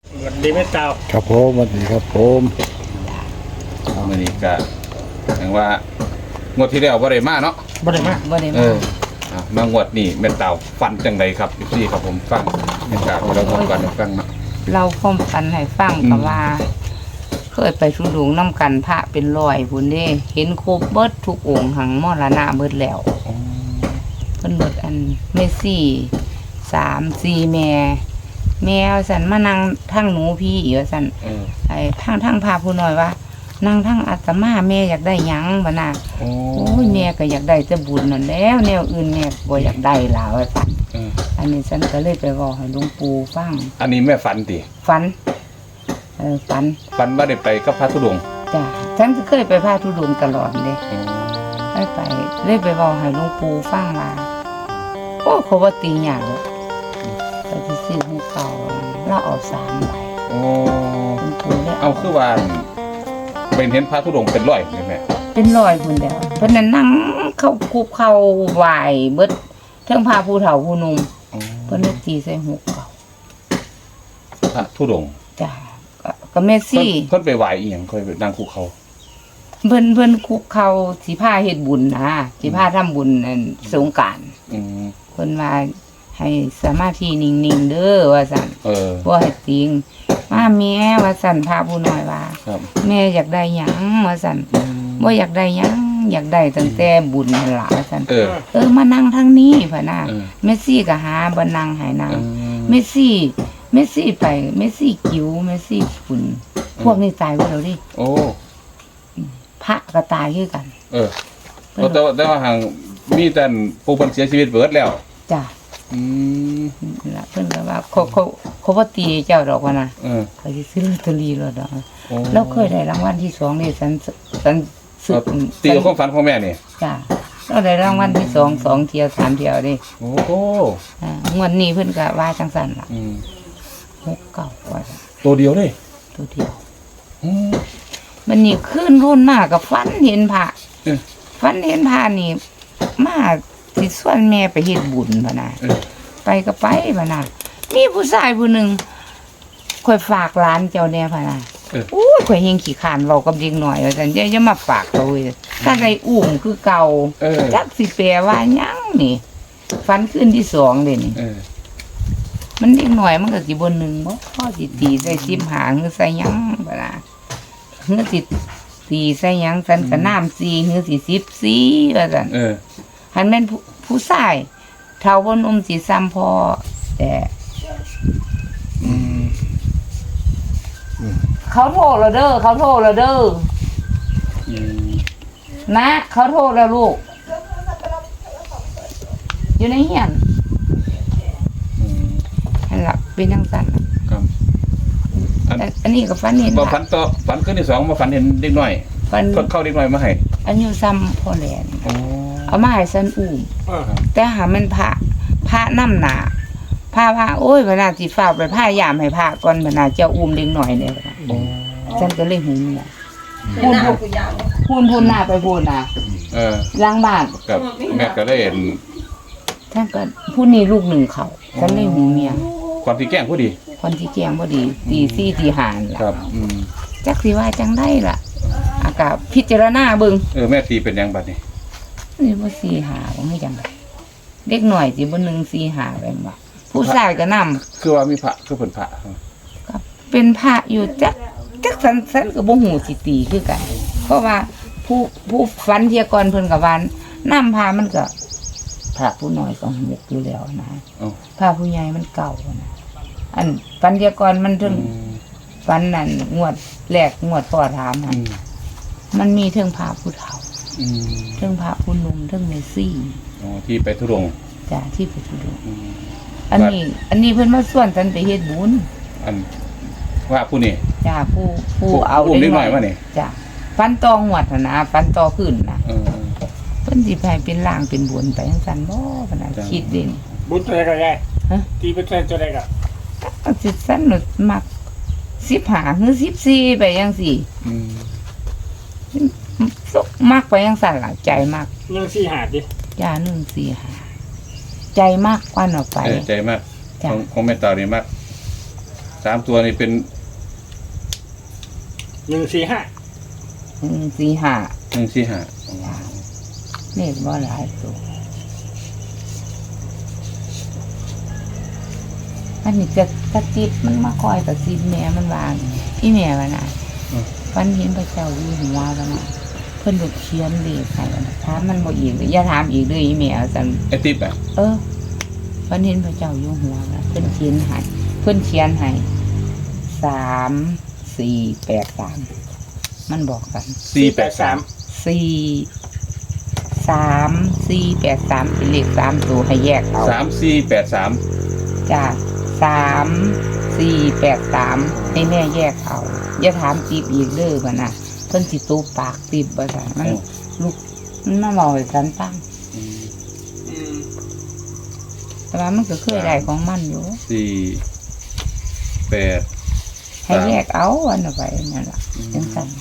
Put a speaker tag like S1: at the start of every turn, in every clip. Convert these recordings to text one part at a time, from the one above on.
S1: สวัสดีแม่เต่า
S2: ครับผมสวัสดีครับผม
S3: มื้อนี้ก็อย่างว่างวดที่แล้วบ่ได้มาเนาะ
S1: บ่ได้มา
S4: บ่ได้
S3: เอ
S4: มา
S3: มางวดนี้แม่เต่าฟันจังไดครับพี่ครับผมฟังแม่เต่าเราบอกกันฟังเนาะ
S4: เราความฝันให้ฟังก็ว่า เคยไปทุดงน้ำกันพระเป็นร้อยพุ่นเด้เห็นครบเบิดทุกองค์หังมรณะเบิดแล้วเพิ่นเบิดอันเมซี่3-4แม่ว่าซั่นมานั่งทั้งหนูพี่ว่าซั่น ไอ้ทั้งพาผู้น้อยว่านั่งทั้งอาตมาแม่อยากได้หยังบ่น่ะโอ้ยแม่ก็อยากได้แต่บุญนั่นแล้วแนวอื่นแม่บ่อยากได้ล่ะว่าซั่นอันนี้ฉันก็เลยไปเว้าให้หลวงปู่ฟัง
S3: อันนี้แม่ฝันติ
S4: ฝันฝัน
S3: ฝันว่าได้ไปกับพระธุดงค์
S4: จ้ะฉันก็เคยไปพาธุดงค์ตลอดเด้ไปเลยไปเว้าให้หลวงปู่ฟังว่าโอ้เขาว่าตีหยังไปที่ซื้อให้เขาแล้วเอา3ใบ
S3: โอ้
S4: หลวงปู่เลย
S3: เอาคือว่าเป็นเห็นพระธุดงค์เป็นร้อยแม่
S4: เป็นรอยพุ่นแล้วเพิ่นน่ะนั่งเข้าคุกเข้าไหวเบิดเทิงพาผู้เฒ่าผู้หนุ่มเพิ่นเลยตีใส่หูเก่า
S3: พระธุดงค์
S4: จ้ะก็เมสซี่
S3: เพิ่นไปไหว้อีหยังค่อยไปนั่งคุกเขา
S4: เพิ่นคุกเข้าสิพาเฮ็ดบุญนะสิพาทำบุญอันสงกรานต์
S3: อืม
S4: เพิ่นว่าให้สมาธินิ่งๆเด้อว่าซั่น บ่ให้ติงมาแม่ว่าซั่นพาผู้น้อยว่า
S3: ครับ
S4: แม่อยากได้หยังว่าซั่นบ่อยากได้หยังอยากได้ตั้งแต่บุญนั่นล่ะว่าซั่นมานั่งทางนี้พ่ะนะเมสซี่ก็หาบ่นั่งให้นั่งเมสซี่ไปเมสซี่กิ้วเมสซี่ฝุ่นพวกนี้ตายไปแล้วดิ
S3: โอ้
S4: พระก็ตายคือกัน
S3: แต่ว่าห่างมีแต่ผู้เพิ่นเสียชีวิตเบิดแล้ว
S4: จ้ะ
S3: อืม
S4: ล่ะเพิ่นก็ว่าเขาบ่ตีเจ้าดอกว่านะ เขาสิซื้อลอตเตอรี่แล้วดอกแล้วเคยได้รางวัลที่2นี่ฉันซื้อ
S3: ตีกับความฝันของแม่นี่
S4: จ้ะเราได้รางวัลที่2เที่ยว3เที่ยวดิ
S3: โอ้โห
S4: งวดนี้เพิ่นก็ว่าจังซั่นล่ะ
S3: อืม
S4: 69ว่า
S3: ตัวเดียวเลย
S4: ตัวเดียวมันนี่ขึ้นรุ่นมากกับฝันเห็นพระฝันเห็นพระนี่มาสิส่วนแม่ไปเฮ็ดบุญพะนะไปก็ไปพะนะมีผู้ชายผู้หนึงข่อยฝากหลานเจ้าแน่พะนะโอ้ยข่อยเฮงขี้คร้านเว้ากับเด็กน้อยว่าซั่นอย่ามาฝากเขาเว้ยถ้าได้อุ้มคือเก่าจักสิแปลว่าหยังนี่ฝันคืนที่2เด้นี่มันเด็กน้อยมันก็สิบ่1บ่พอสิตีใส่15หรือใส่หยังบ่ล่ะหรือสิตีใส่หยังซั่นก็น้ำ4หรือสิ14ว่าซั่นหันแม่นผู้ชายเฒ่าบ่หนุ่มสิซ้ำพ่อแต่เขาโทรแล้วเด้อเขาโทรแล้วเด้อนะเขาโทรแล้วลูกอยู่ในเฮียนหันหลับเป็นจังซั่น
S3: ครับ
S4: อันนี้ก็ฝันเห็น
S3: บ่ฝันต่อฝันคืนที่2บ่ฝันเห็นเด็กน้อย
S4: ฝัน
S3: เข้าเด็กน้อยมาให้
S4: อันอยู่ซ้ำพ่อแหลนเอามาให้ฉันอุ้มแต่หามันพระนำหน้าพาว่าโอ้ยเวลาสิฟ้าวไปพายามให้พระก่อนเวลาเจ้าอุ้มเด็กน้อยเนี่ยฉันก็เลยหูเนี่ยพูนหน้าไปพูนน่ะล้างบ้าน
S3: กับแม่ก็ได้เห็น
S4: ท่านก็ผู้นี้ลูกหนึ่งเขาฉันเลยหูเมีย
S3: ความที่แกล้งผู้ดี
S4: คนที่แจ้งบ่ดีตี4ตี5ล่ะ
S3: ครับ
S4: จักสิว่าจังได้ล่ะอากาศพิจารณาเบิ่ง
S3: แม่ตีเป็นยังบัดนี้
S4: นี่บ่4 5บ่ให้จังได๋เด็กน้อยสิบ่1 4 5แม่นบ่ผู้ชายก็นำ
S3: คือว่ามีพระคือเพิ่นพระ
S4: ก็เป็นพระอยู่จักสันก็บ่ฮู้สิตีคือกันเพราะว่าผู้ฝันเที่ยก่อนเพิ่นก็ว่านำพามันก็พระผู้น้อยก็ฮู้อยู่แล้วนะพระผู้ใหญ่มันเก่านะอันฝันเที่ยก่อนมันถึงฝันนั่นงวดแรกงวดพ่อถามนั่นมันมีเทิงพระผู้เฒ่าเทิงพระผู้หนุ่มเทิงเมซี่
S3: ที่ไปธุดงค์
S4: จ้ะที่ไปธุดงค์อันนี้เพิ่นมาส่วนฉันไปเฮ็ดบุญ
S3: อันว่าผู้นี้
S4: จ้ะผู้เอา
S3: เด็กน้อยมานี่
S4: จ้ะฟันตองหวดนะฟันตอขึ้นนะเพิ่นสิให้เป็นล่างเป็นบุญไปจังซั่นบ่ปานนั้นคิดเด่น
S1: บุญตัวใดก็ได้ตีเป็นตัวใดก็
S4: สิซั่นมัก15หรือ14ไปจังซี่มักไปจังซั่นล่ะใจมัก
S1: 145ดิ
S4: จ้า145ใจมากกว่าออกไป
S3: ใจมากของแม่ตานี่มาก 3ตัวนี่เป็น
S1: 145
S4: 145
S3: 145
S4: เลขบ่หลายตัวอันนี้จะกระติบมันมาคอยกระซิบแม่มันวางอีแม่ว่าน่ะฝันเห็นพระเจ้าอยู่หัวว่าน่ะเพิ่นก็เขียนเลขให้ว่าน่ะถามมันบ่อีกอย่าถามอีกเด้ออีแม่ว่าซั่น
S3: ไอ้ติ๊บอ่ะ
S4: ฝันเห็นพระเจ้าอยู่หัวน่ะเพิ่นเขียนให้3483มันบอกกัน
S3: 483
S4: 43483เป็นเลข3ตัวให้แยกเอา
S3: 3483
S4: จ้า3483ให้แม่แยกเอาอย่าถามจีบอีกเด้อบ่น่ะเพิ่นสิตูปากติบบ่ซั่นมันลูกมันมาเว้าให้กันฟังแต่ว่ามันก็เคยได้ของมันอยู่
S3: 4
S4: ให้แยกเอาอันน่ะไปนั่นล่ะจังซั่น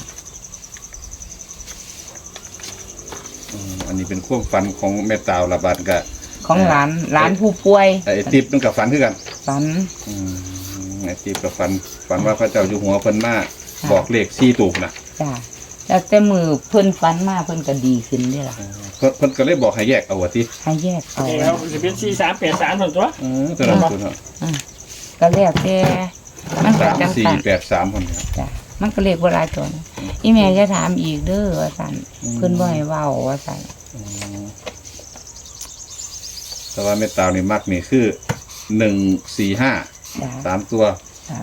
S3: อันนี้เป็นความฝันของแม่ตาวละบาดก็
S4: ของหลานผู้ป่วย
S3: ไอ้ติ๊บมันกับฝันคือกัน
S4: ฝัน
S3: ไอ้ติ๊บกับฝันว่าพระเจ้าอยู่หัวเพิ่นมาบอกเลข4ตัวน่ะ
S4: จ้าแล้วแต่มือเพิ่นฝันมาเพิ่นก็ดีขึ้นเด้ล่ะ
S3: เพิ่นก็เลยบอกให้แยกเอาว่าติ
S4: ให้แยกเอา
S1: แล้วจะเป็น4383ส่วนตัว
S3: ตัวนั้นตัวนั้น
S4: ก็แล้วแต่มันก็จังซั่น
S3: 3483คนครับ
S4: จ้ะมันก็เรียกว่าหลายตัวนะอีแม่จะถามอีกเด้อว่าซั่นเพิ่นบ่ให้เว้าว่าซั่น
S3: แต่ว่าแม่ตาวนี่มักนี่คือ145
S4: จ้ะ
S3: 3ตัว
S4: จ้ะ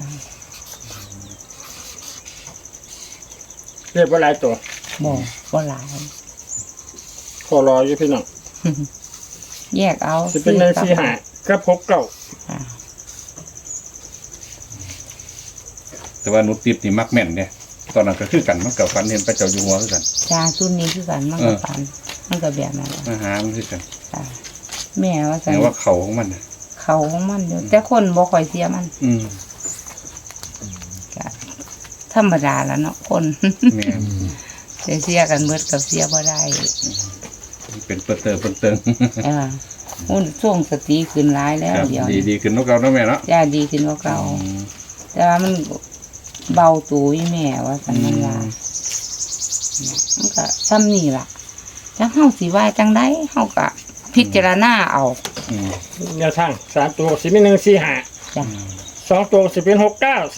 S1: เรียกว่าหลายตัว
S4: บ่หลาย
S1: ขอรออยู่พี่น้อง
S4: แยกเอา
S1: จะเป็น145กับ69
S4: อ่า
S3: แต่ว่าหนูติ๊บนี่มักแม่นเนี่ยตอนนั้นก็คือกันมันกับฝันเห็นพระเจ้าอยู่หัวคือกัน
S4: จ้าชุดนี้คือกันมันก็ฝันมันก็แบบนั้นแหละ
S3: มาหามันคือกัน
S4: จ้ะแม่ว่าซั่น
S3: แต่ว่าเขาของมันน่ะ
S4: เขาของมันอยู่แต่คนบ่ค่อยเสียมัน
S3: อืม
S4: จ้ะธรรมดาแล้วเนาะคน
S3: แม่น
S4: เสียกันเบิดกับเสียบ่ได้
S3: เป็นเปิดเติง
S4: หุ่นช่วงสติขึ้นหลายแล้ว
S3: ครับ
S4: เดี๋ยว
S3: ดีขึ้นเนาะเก่าเนาะแม่เนาะ
S4: จ้าดีขึ้นกว่าเก่า แต่ว่ามันเบาตัวอีแม่ว่าสันมันว่ามันก็ซ้ำนี่ล่ะจังเฮาสิว่าจังไดเฮาก็พิจารณาเอา
S3: อืม
S1: แนวทาง3ตัวสิเป็น145
S4: จ้ะ
S1: 2ตัวสิเป็น69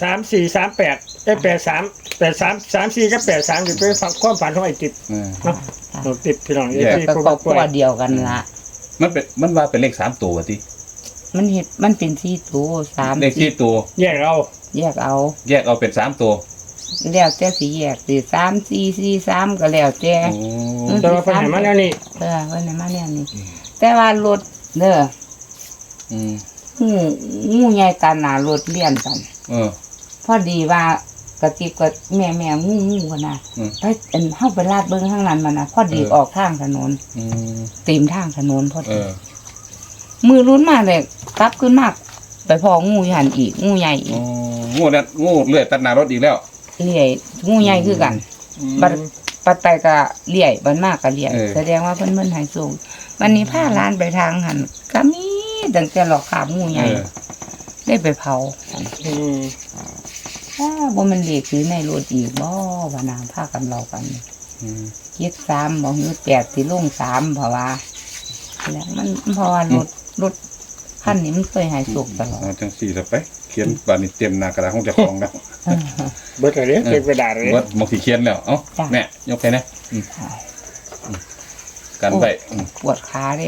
S1: 343883 34กับ83อยู่เป็นฝั่งความฝันของไอ้ติ๊บ เนาะเราติดพี่น้อง
S3: แยก
S1: ที่
S4: ก็
S1: ผู้
S4: ครอบ
S1: ป่
S4: คว รัวย เดียวกันละ
S3: มันว่าเป็นเลข3ตัวว่าติ
S4: มันเป็น4ตัว3
S3: เลข4ตัว
S1: แยกเอา
S4: แยกเอา
S3: แยกเอาเป็น3ตัว
S4: แล้วแต่สิแยกสิ3 4 4 3ก็แล้วแต่
S3: โอ้
S1: แต่ว่าปัญหามาแล้วนี่
S4: เพิ่นให้มาแนวนี้แต่ว่ารถเด้อ
S3: อืม
S4: งูใหญ่กันน่ะรถเลี่ยนกัน พอดีว่ากระติบกับแม่งูกันนะ
S3: อืม
S4: ไปเข้าไปลาดเบิ้งข้างนั้นมานะพอดีออกทางถนน
S3: อืม
S4: เต็มทางถนนพอ
S3: เอ
S4: ดี
S3: อ
S4: มือรุ้นมากเลยกลับขึ้นมากไปพองูหันอีกงูใหญ่อี
S3: อ๋
S4: ก
S3: องูเลื่อยตัดหน้ารถอีกแล้ว
S4: เลี่ยงูใหญ่คือกันบัดปัดไปก็เลี่ยบัดมากก็เลี่ยแสดงว่าเพิ่นให้สูงวันนี้พาร้านไปทางหันก็มีตั้งแต่หลอกขาบงูใหญ่ได้ไปเผา บ่มันเด็กคือในรถอีกบ่ว่านางพากันเรากัน
S3: อืม
S4: 73บ่ฮือ8สิลง3เพราะว่าแล้วมันเพราะว่ารถคันนี้มันเคยให้สุกตลอด
S3: เอาจังสี่ละไป เขียนบานนี้เตรียมหน้ากระดาษของเจ้าของแล้ว
S1: เบิดอะไรเก็บกระดาษเลย
S3: ว่าบางทีเขียนแล้วเอ้าแม่ยกไปนะกันไป
S4: ปวดขาเด้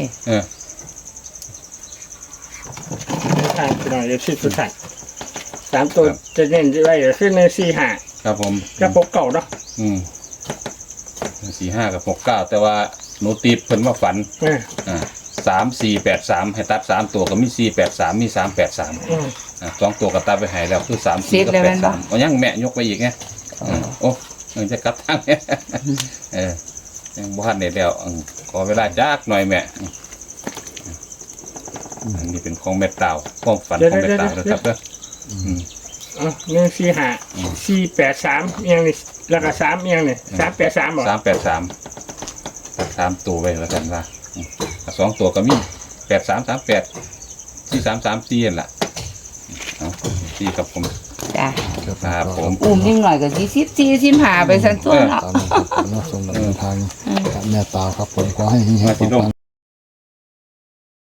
S1: ทางพี่น้องที่สุดท้าย3ตัวจะเน้นไว้ก็คือ145
S3: ครับผม
S1: กับ69เนาะ
S3: 45 กับ 69 แต่ว่าหนูตีเพิ่นมาฝัน 3483 ให้ตัด3ตัวก็มี483มี383 2ตัวก็ตัดไปให้แล้วคือ34กับ83เอายังแม่ยกไปอีกไงโอ้ยังจะกลับทางยังบ่ทันได้แล้วขอเวลาจักหน่อยแม่อันนี้เป็นของแม่ตาวความฝันของแม่ตาวนะครับเด้อ
S1: 145 483อย่างนี้แล้วก็3อย่างนี้383บ่
S3: 383 3ตัวไว้แล้วกันว่า2ตัวก็มี8338 4334นั่นล่ะเอา4กับผม
S4: จ้ะ
S3: ครับผม
S4: อุ้มนิดหน่อยก็14 15ไปซั่นตัวเนาะ
S2: ตามนั้นครับผมเนาะส่งเดินทางกับแม่ตาครับผมขอให้เฮงๆปังๆ